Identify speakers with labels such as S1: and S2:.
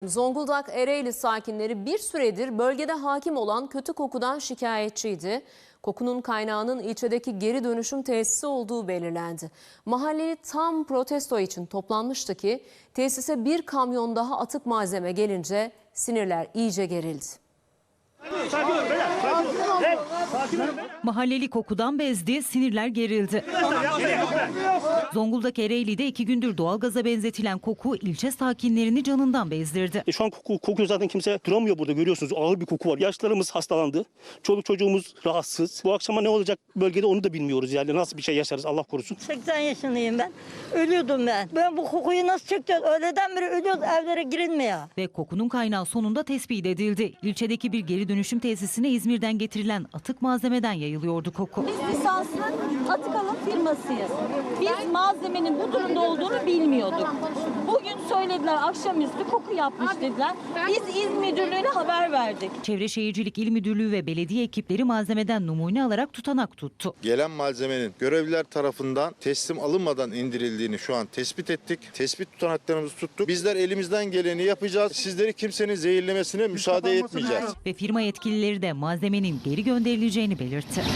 S1: Zonguldak Ereğli sakinleri bir süredir bölgede hakim olan kötü kokudan şikayetçiydi. Kokunun kaynağının ilçedeki geri dönüşüm tesisi olduğu belirlendi. Mahalleli tam protesto için toplanmıştı ki tesise bir kamyon daha atık malzeme gelince sinirler iyice gerildi.
S2: Mahalleli kokudan bezdi, sinirler gerildi. Zonguldak Ereğli'de 2 gündür doğalgaza benzetilen koku ilçe sakinlerini canından bezdirdi.
S3: Şu an kokuyor, zaten kimse duramıyor burada, görüyorsunuz, ağır bir koku var. Yaşlılarımız hastalandı, çoluk çocuğumuz rahatsız. Bu akşama ne olacak bölgede onu da bilmiyoruz, yani nasıl bir şey yaşarız Allah korusun.
S4: 80 yaşındayım ben, ölüyordum ben. Ben bu kokuyu nasıl çekeceğiz? Öğleden beri ölüyoruz, evlere girilmiyor.
S2: Ve kokunun kaynağı sonunda tespit edildi. İlçedeki bir geri dönüşüm tesisine İzmir'den getirilen atık malzemeden yayılıyordu koku.
S5: Biz lisanslı atık alım firmasıyız. Biz malzemenin bu durumda olduğunu bilmiyorduk. Bugün söylediler, akşamüstü koku yapmış dediler. Biz İl Müdürlüğü'ne haber verdik.
S2: Çevre Şehircilik İl Müdürlüğü ve belediye ekipleri malzemeden numune alarak tutanak tuttu.
S6: Gelen malzemenin görevliler tarafından teslim alınmadan indirildiğini şu an tespit ettik. Tespit tutanaklarımızı tuttuk. Bizler elimizden geleni yapacağız. Sizleri kimsenin zehirlemesine müsaade etmeyeceğiz.
S2: Ve firma yetkilileri de malzemenin geri gönderileceğini belirtti.